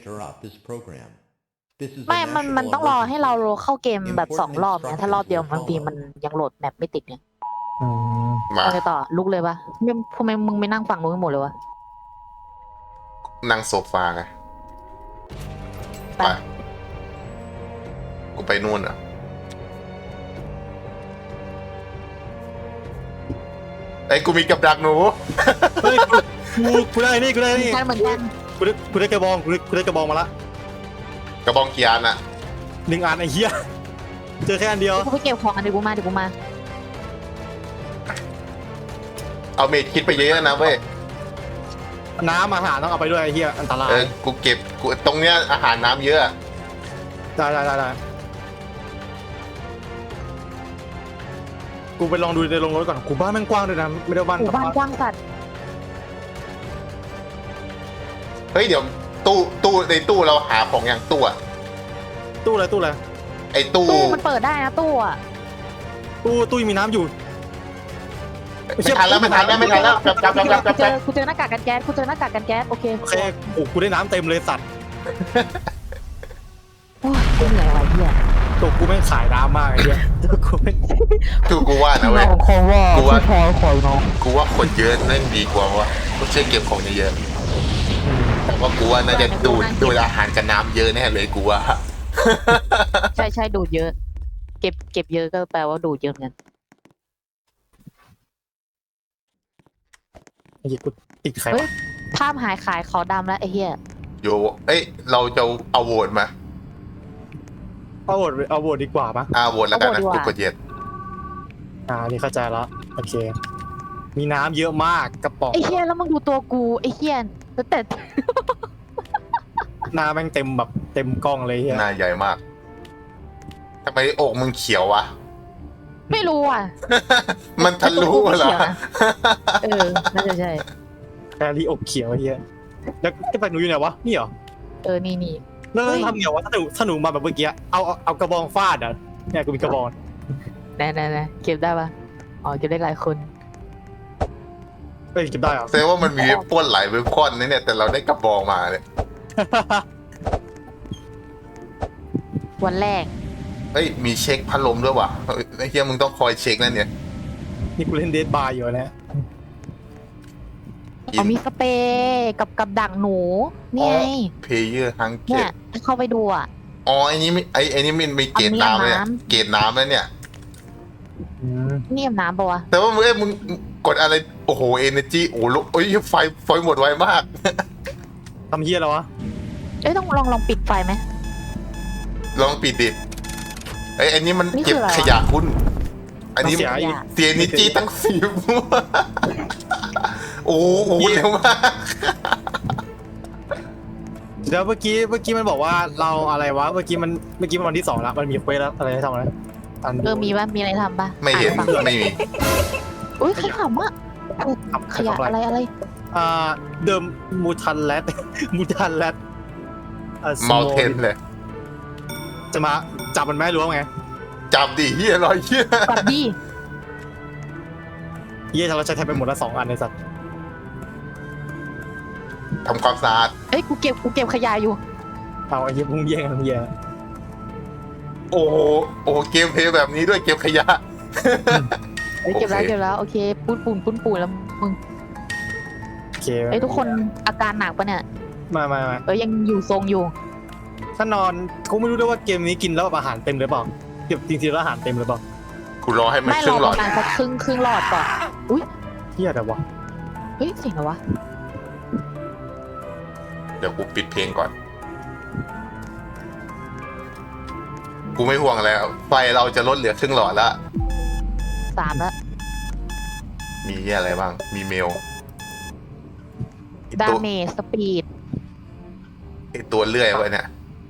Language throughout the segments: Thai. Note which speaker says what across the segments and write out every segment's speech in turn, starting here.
Speaker 1: interrupt this program. This is
Speaker 2: ไม่
Speaker 1: a
Speaker 2: มัน
Speaker 1: national
Speaker 2: ต้องรอให้เรา
Speaker 1: emergency.
Speaker 2: เข้าเกมแบบ2 รอบนะถ้ารอบเดียวบางทีมันยังโหลดแมปไม่ติดไง
Speaker 3: มา
Speaker 2: เอาไงต่อลุกเลยปะทำไมมึงไม่นั่งฝั่งนู้นกันหมดเลยวะ
Speaker 3: นั่งโซฟาไง
Speaker 2: ไป
Speaker 3: ไปกูไปนู่นอ่ะไอ้ยกูมีกับดักหนู
Speaker 4: เฮ้ยกูได้นี่กูได้นี่
Speaker 2: ใช่เหมือนกัน
Speaker 4: กูได้กระบองกูได้กระบองมาละ
Speaker 3: กระบองเกียร์น่ะ
Speaker 4: 1 อันไอ้เหี้ยเจอแค่อันเดียว
Speaker 2: กูไปเก็บของกันเดี๋ยวกูมา
Speaker 3: เอาเมดคิดไปเยอะนะเว้ย
Speaker 4: น้ำอาหารต้องเอาไปด้วยไอ้เหี้ยอันตราย
Speaker 3: กูเก็บกูตรงเนี้ยอาหารน้ำเยอะ
Speaker 4: ได้กูไปลองดูในโรงรถก่อนกูบ้านแม่งกว้างด้วยนะไม่ได้บ้าน
Speaker 2: หมู่บ้านกว้างสัตว์
Speaker 3: เฮ้ยเดี๋ยวตู้ในตู้เราหาของอย่างตู้อะ
Speaker 4: ตู้อะไร
Speaker 3: ไอ้ตู้
Speaker 2: ตู้มันเปิดได้นะตู้อะ
Speaker 4: ตู้ยังมีน้ำอยู่
Speaker 3: ไม่ทันแล้วกลับ
Speaker 2: กูเจอหน้ากากกันแก๊สโอเค
Speaker 4: โอเคโอ้กูได้น้ำเต็มเลยสัตว์
Speaker 2: โอ้ยเหนื่อยว่ะเหี้ย
Speaker 4: ตัวกูแม่งขายน้ำมากไอ้เหี้ยตัวกูแม่ง
Speaker 3: กูว่านะเว้ย
Speaker 2: คอว่า
Speaker 3: กูว่า
Speaker 2: คอยน้อง
Speaker 3: กูว่าคนเยอะนั่นดีกว่าวะไม่ใช่เก็บของเยอะๆแต่ว่ากูว่าน่าจะดูดอาหารกับน้ำเยอะแน่เลยกูว่า
Speaker 2: ใช่ดูดเยอะ เก็บเยอะก็แปลว่าดูดเยอะเหมือนกัน
Speaker 4: ไอ้เหี้ยกูติดไข่
Speaker 2: เฮ้ยภาพหายขายขาวดำแล้วไอ้เหี้ย
Speaker 3: โยเอ้ยเราจะเอาโหวตมา
Speaker 4: เอาโหวตดีกว่าปะ
Speaker 3: โหวตแล้วกันนะกูกดเย็ด
Speaker 4: นี่เข้าใจแล้วโอเค มีน้ำเยอะมากกระป๋อง
Speaker 2: ไอ้เหี้ยแล้วมึงดูตัวกูไอ้เหี้ยแต่
Speaker 4: หน้าแม่งเต็มแบบเต็มกล้องเลยเหี้ย
Speaker 3: หน้าใหญ่มากทำไมอกมึงเขียววะ
Speaker 2: ไม่รู้อ่ะ
Speaker 3: มันทะลุเหรอ
Speaker 2: น่าจะใช่
Speaker 4: แครี่อกเขียวไอ้เหี้ยแล้วจะไปหนูอยู่ไหนวะนี่เหรอ
Speaker 2: นี่
Speaker 4: แล้ว
Speaker 2: เฮ้ย
Speaker 4: ทำไงวะถ้าหนูมาแบบเมื่อกี้เอากระบองฟาดอ่ะเนี่ยกูมีกระบอง
Speaker 2: แน่เก็บได้ปะอ๋อเก็บได้หลายคน
Speaker 4: เฮ้ยเก็บได้เหรอ
Speaker 3: แสดงว่ามันมีเว็บป้นหลายเว็บป้นนะเนี่ยแต่เราได้กระบองมาเนี่ย
Speaker 2: วันแรก
Speaker 3: เฮ้ยมีเช็คพัดลมด้วยว่ะเฮ้ยไอ้เหี้ยมึงต้องคอยเช็คนั่นเนี่ย
Speaker 4: นี่กูเล่นเดทบาร์อยู่นะ
Speaker 2: เอามีสเปรย์กับดักหนูนี่ไง
Speaker 3: เพย์เยอร์ฮังเก
Speaker 2: เนี่
Speaker 3: ต
Speaker 2: ยถ้าเข้าไปดูอ่ะ
Speaker 3: อ๋อไอ้นี่ไม่ไอ้นี่มันมีเกรดน้ำเลย
Speaker 2: น้ำ
Speaker 3: เกรดน้ำแล้วเนี่ย
Speaker 2: นี่อาบน้ำปะวะ
Speaker 3: แต่ว่ามึงกดอะไรโอ้โหเอเนจีโอ้โหโอ้ยไฟหมดไวมาก
Speaker 4: ทำเหี้ยแล้ววะ
Speaker 2: ต้องลองปิดไฟไหม
Speaker 3: ลองปิดดิไอ้ยอันนี้มัน
Speaker 2: นี่คือ
Speaker 3: เก็บ
Speaker 2: อะไรวะ
Speaker 3: ขยะคุณอันนี้
Speaker 4: เสียอีก
Speaker 3: เสียเอเนจีตั้ง10 โอ้โหเร็วมาก
Speaker 4: เดี๋ยวเมื่อกี้มันบอกว่าเราอะไรวะเมื่อกี้มันวันที่2แล้วมันมีเควสแล้วอะไรให้ทำอะไร
Speaker 2: มีปะมีอะไรทำปะ
Speaker 3: ไม่เห็น
Speaker 2: อ่าปะ
Speaker 3: ไม่มี
Speaker 2: อุ้ยใครขำอ่ะขยะอะไร
Speaker 4: เดิมมูทันแรด มูทันแรด
Speaker 3: เมาเทนเลย
Speaker 4: จะมาจับมันไหมรู้ว่าไง
Speaker 3: จับดิเฮียรอยเฮีย
Speaker 2: ปัดดี
Speaker 4: เยี่ยเราใช้แทบไปหมดละ2 อันในสัตว์
Speaker 3: ทำความสะอาด
Speaker 2: เอ้ยกูเก็บขยะอยู่
Speaker 4: เอาไอ้เหี้ยมึงแย่งกันเหี้ย
Speaker 3: โอ้โหเกมเพลย์แบบนี้ด้วยเก็บขยะ
Speaker 2: เอ้ยเก็บแล้ว
Speaker 3: โอเค
Speaker 2: เก็บแล้วโอเคปูนแล้วมึง
Speaker 4: โอเค
Speaker 2: เอ้ยทุกคนอาการหนักปะเนี่ย
Speaker 4: มา
Speaker 2: ยังอยู่ทรงอยู่
Speaker 4: ถ้านอนเขาไม่รู้ด้วยว่าเกมนี้กินแล้วแบบอาหารเต็มหรือเปล่าเก็บจริงๆแล้วอาหารเต็มหรือเปล่า
Speaker 3: กูรอให้มัน
Speaker 2: ไม่
Speaker 3: ค
Speaker 2: ร
Speaker 3: รึ่
Speaker 2: อง
Speaker 3: หล
Speaker 2: ป
Speaker 3: อด
Speaker 2: ระมาณสักครึ่งหลอดก่อนอุ้ย
Speaker 4: เหี้ยแต่วะ
Speaker 2: เฮ้ยเสียงอะไรวะ
Speaker 3: เดี๋ยวกูปิดเพลงก่อน กูไม่ห่วงแล้ว ไฟเราจะลดเหลือครึ่งหลอดละ
Speaker 2: 3แล้ว
Speaker 3: มีอะไรบ้าง มีเมลไอ้
Speaker 2: ดา
Speaker 3: ตัว
Speaker 2: เมจสปีด
Speaker 3: ไอตัวเลื่อยไว้เนี่ย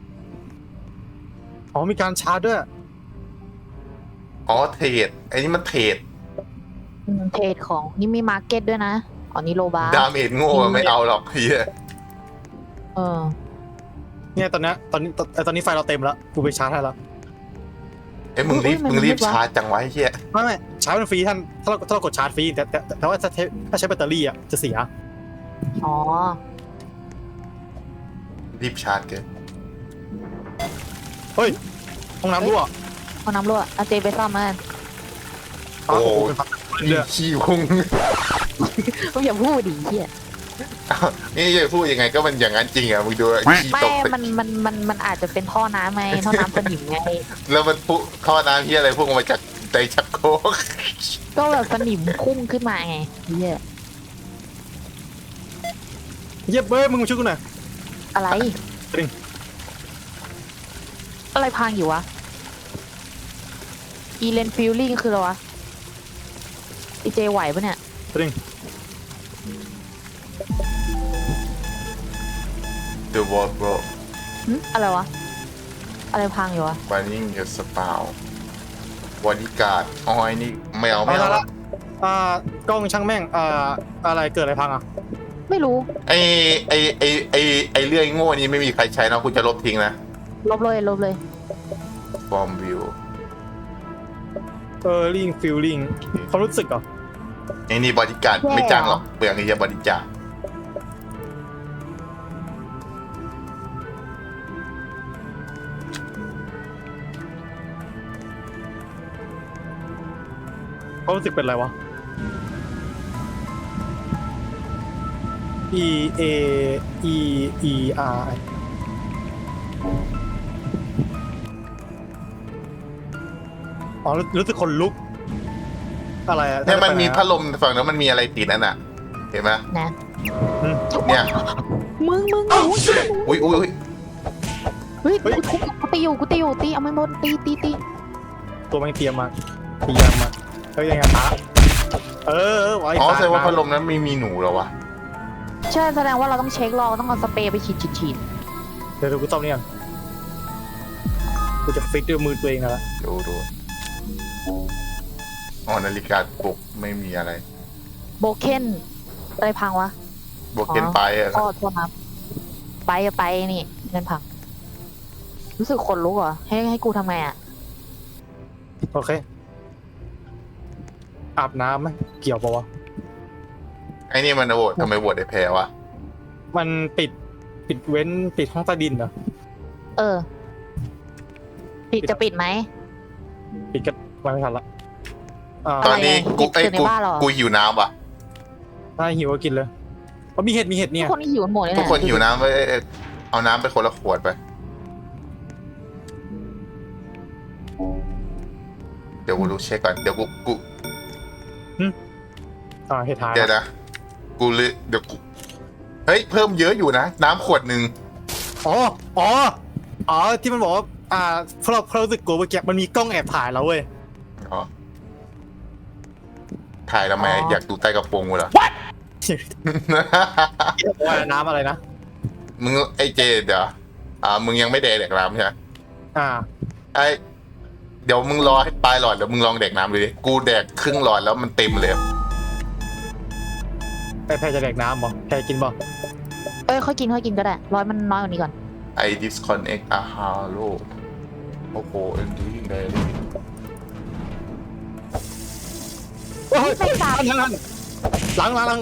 Speaker 4: อ๋อมีการชาร์จด้วย
Speaker 3: อ๋อเทรดไอ้นี่มันเทรด
Speaker 2: เทรดของนี่มีมาร์เก็ตด้วยนะอ๋อนี่โลบาร์
Speaker 3: ดาเมจโง่ไม่เอาหรอกเฮีย
Speaker 2: เออ
Speaker 4: เนี่ยตอนนี้ไฟเราเต็มแล้วกูไปชาร์จให้แล้ว
Speaker 3: เอ้ยมึงรีบชาร์จจังไวะไอ้เฮีย
Speaker 4: ไม่ชาร์จมันฟรีท่านถ้าเรากดชาร์จฟรีแต่ว่าถ้าใช้แบตเตอรี่อ่ะจะเสีย
Speaker 2: อ๋อ
Speaker 3: รีบชาร์จเกิน
Speaker 4: เฮ้ยห้องน้ำรั่ว
Speaker 2: ห้องน้ำรั่วเอาเจไปซ่อมมา
Speaker 3: โอ้โห
Speaker 4: เป็นพัก
Speaker 3: นี่
Speaker 4: เรือ
Speaker 3: ขี้พุง
Speaker 2: ก็อย่าพูดดิเฮีย
Speaker 3: นี่จะพูดยังไงก็มันอย่างนั้นจริงอ่ะมึงดูขี้
Speaker 2: ไม่
Speaker 3: ตก
Speaker 2: มันอาจจะเป็นท่อน้ำไงท่อน้ำสนิมไง
Speaker 3: แล้วมันพุ่งท่อน้ำที่อะไรพุ่งออกมาจากใจชักโครก
Speaker 2: ก็แบบสนิมพุ่งขึ้นมาไงเฮีย
Speaker 4: เย็บเบ้ยมึงมาช่วยกูหน่อย
Speaker 2: อะไร
Speaker 4: จริง
Speaker 2: อะไรพังอยู่วะอีเลนฟิลลิ่งคืออะไรวะอีเจไหวปะเนี่ย
Speaker 4: จริง
Speaker 3: เดอะวอลบร
Speaker 2: อะไรวะอะไรพังอยู่วะ
Speaker 3: วานิ่งเดอะสปาวบอดี้การ์ดอ๋อไอ้นี่ไม่เอาไม่
Speaker 4: เอา
Speaker 3: เอา
Speaker 4: ละกล้องช่างแม่งอะไรเกิดอะไรพังอ่ะ
Speaker 2: ไม่รู้
Speaker 3: ไอเรื่องโง่นี้ไม่มีใครใช้นะคุณจะลบทิ้งนะ
Speaker 2: ลบเลย
Speaker 3: ฟอร์มวิว
Speaker 4: ลิงฟิลลิ่งความรู้สึกเหรอ
Speaker 3: ไอ้นี่บอดี้การ์ดไม่จ้างหรอกเปลืองไอ้เหี้ยบอดี้การ์ด
Speaker 4: ความรู้สึกเป็นอะไรวะ E A E E R อ๋อรู้สึกคนลุก อะไรอะ
Speaker 3: เนี่ยมันมีพัดลมฝั่งนั้นมันมีอะไรติดนั่นน่ะ เห็นไหม
Speaker 2: นะ
Speaker 3: เนี่ย
Speaker 2: มึง
Speaker 3: อุ้ย
Speaker 2: เฮ้ยกูตีอยู่ตีเอาไม่หมดตี
Speaker 4: ตัวมันเตรียมมาพยายามมายังไงตาไว้
Speaker 3: อ๋อ
Speaker 4: ตา
Speaker 3: แสดงว่าพัดลมนั้นไม่มีหนูเหรอวะ
Speaker 2: ใช่แสดงว่าเราต้องเช็ครอต้องเอาสเปรย์ไปฉีด
Speaker 4: เดี๋ยวกูต้อมนี่กันกูจะฟิกด้วยมือตัวเองนะละ
Speaker 3: ดูอ๋อนาฬิกาปลุกไม่มีอะไร
Speaker 2: โบเคนอะไรพังวะ
Speaker 3: บวกเกินไปอะ
Speaker 2: โทษนะไปนี่เงินพังรู้สึกขนลุกเหรอให้กูทำไงอ่ะ
Speaker 4: โอเค อาบน้ำไหมเกี่ยวปะวะ
Speaker 3: ไอ้นี่มันโหวตทำไมโหวตได้แพ้วะ
Speaker 4: มันปิดเว้นปิดห้องใต้ดินเหรอ
Speaker 2: เออจะปิดไหม
Speaker 4: ปิดก็ไม่ทันละ
Speaker 3: ตอนนี้
Speaker 2: อะไร
Speaker 3: กู
Speaker 2: เกิดในบ้านเหรอ
Speaker 3: กูหิวน้ำว่ะ
Speaker 4: ถ้าหิวก็กินเลยมีเห็ด
Speaker 2: ทุ
Speaker 4: เนี่
Speaker 2: ก
Speaker 4: ย
Speaker 2: คนหิวกันหมดเลย
Speaker 3: ทุก
Speaker 2: นะ
Speaker 3: คนหิวน้ำไปเอาน้ำไปคนละขวดไป เดี๋ยวกูดูเช็คก่อน เดี๋ยวกู
Speaker 4: เห็ดหาย
Speaker 3: เดี๋ยวนะ กูเลยเดี๋ยวกู เฮ้ย เพิ่มเยอะอยู่นะ น้ำขวดหนึ่ง
Speaker 4: อ๋อที่มันบอกว่าเพราะเรารู้สึกกลัวเมื่อกี้มันมีกล้องแอบถ่ายเราเว้ย
Speaker 3: อ๋อ ถ่ายทำไม อยากดูใต้กระโปรงกูเหรอ
Speaker 4: ว่าน้ำอะไรนะ
Speaker 3: มึงไอ้เจเดี๋ยวมึงยังไม่แดกน้ำใช่ไหม ไอ้เดี๋ยวมึงรอให้ปลายหลอดเดี๋ยวมึงลองแดกน้ำดูดิกูแดกครึ่งหลอดแล้วมันเต็มเลย
Speaker 4: แพรจะแดกน้ำบ่แพรกินบ่
Speaker 2: ค่อยกินก็ได้ร้อยมันน้อยกว่านี้ก่อน
Speaker 3: ไอ disconnect a halo โอ้โหเอ็นดิ้งเลย
Speaker 2: ไม่ตาย
Speaker 4: ล้าง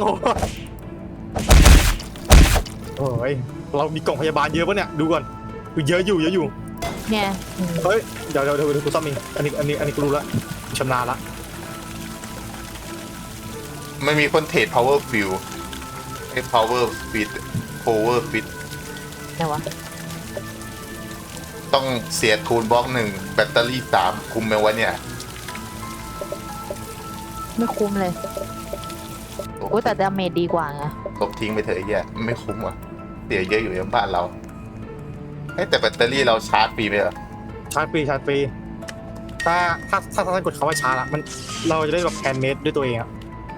Speaker 4: โอ้ยเรามีกล่องพยาบาลเยอะปะเนี่ยดูก่อนเยอะอยู่
Speaker 2: เนี่ย
Speaker 4: เฮ้ยเดี๋ยวกูซ่อมเองอันนี้กูรู้ละชำนาญละ
Speaker 3: ไม่มีคนเทรด power fill ไอ้ power fit
Speaker 2: เนี่ยวะ
Speaker 3: ต้องเสียทูลบล็อกหนึ่งแบตเตอรี่3คุมไหมวะเนี่ย
Speaker 2: ไม่คุ้มเลยโอ้แต่ดาเมจดีกว่าไง
Speaker 3: ลบทิ้งไปเถอะไอ้เหี้ยไม่คุ้มว่ะเสียเยอะอยู่ยังบ้านเราแต่แบตเตอรี่เราชาร์จฟรีไหมเหรอ
Speaker 4: ชาร์จฟรีถ้ากดคำว่าชาร์จละมันเราจะได้แบบแฮนด์เมดด้วยตัวเองอะ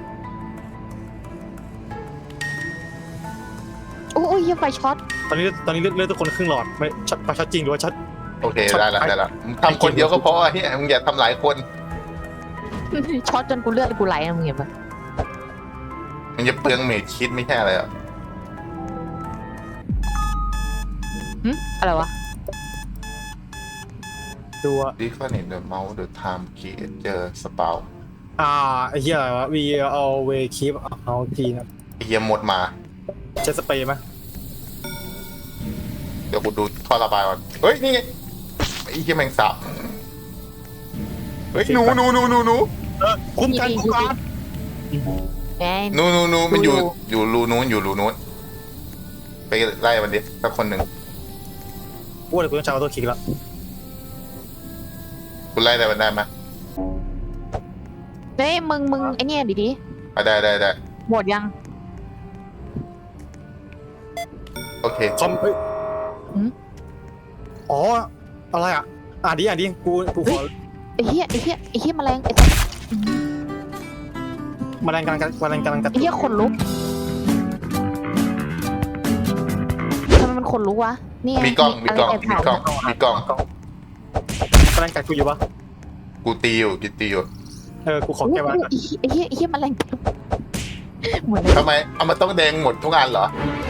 Speaker 2: โอ้ยไฟช็อต
Speaker 4: ตอนนี้เลือดทุกคนครึ่งหลอดไม่ช็อตจริงหรือว่าช็อต
Speaker 3: โอเคได้ละมึงทำคนเดียวก็พอเฮียมึงอย่าทำหลายคน
Speaker 2: ช็อตจนกูเลือดกูไหลนะมึงเห็นปะ
Speaker 3: มันจะเปลืองเมจคิดไม่ใช่อะไรอ่ะ
Speaker 2: อะไรวะ
Speaker 4: ดูอะ
Speaker 3: Disconnect the mouse the time key enter spout
Speaker 4: ไอ้เหี้ยอะไรวะ we always keep our key นะ
Speaker 3: ไอ้เหี้ยหมดมา
Speaker 4: ใช้สเปรย์ไหม
Speaker 3: เดี๋ยวกูดูท่อระบายก่อนเฮ้ยนี่ไงไอ้เหี้ยแมงสาบเฮ้ยหนู
Speaker 4: คุ้มกันกูก่อน
Speaker 2: ไง
Speaker 3: หนูมันอยู่
Speaker 2: ดู
Speaker 3: อยู่รูนู้นอยู่รูนู้นไปไล่มันดิสักคนหนึ่ง
Speaker 4: กูว่าเดี๋ยวกูต้องใช้ออโต้คลิกแล้ว
Speaker 3: กูไล่ได้มันได้ไหม
Speaker 2: เฮ้ยมึงไอเนี่ยดิ
Speaker 3: อ่ะได้
Speaker 2: หมดยัง
Speaker 3: โอเค
Speaker 4: คอมเอ้ย
Speaker 2: หืม
Speaker 4: อ๋ออะไรอ่ะอ่านดิกูขอ
Speaker 2: ไอ้เหี้ยแมลงไอ้
Speaker 4: แมลงกำลังกัด
Speaker 2: เหี้ยขนลุกทำไมมันขนลุกวะนี่ไ
Speaker 3: มีกล้อง
Speaker 2: ะไรแบถ่าย
Speaker 3: มีกล้อง
Speaker 4: แมลงกัดกูอยู่ปะ
Speaker 3: กูตีอยู่
Speaker 4: กูขอแก้แมลงกัด
Speaker 2: ไอ้เหี้ยแมลงเหมือน
Speaker 3: ทำไมเอามาต้องแดงหมดทุกอันเหรอ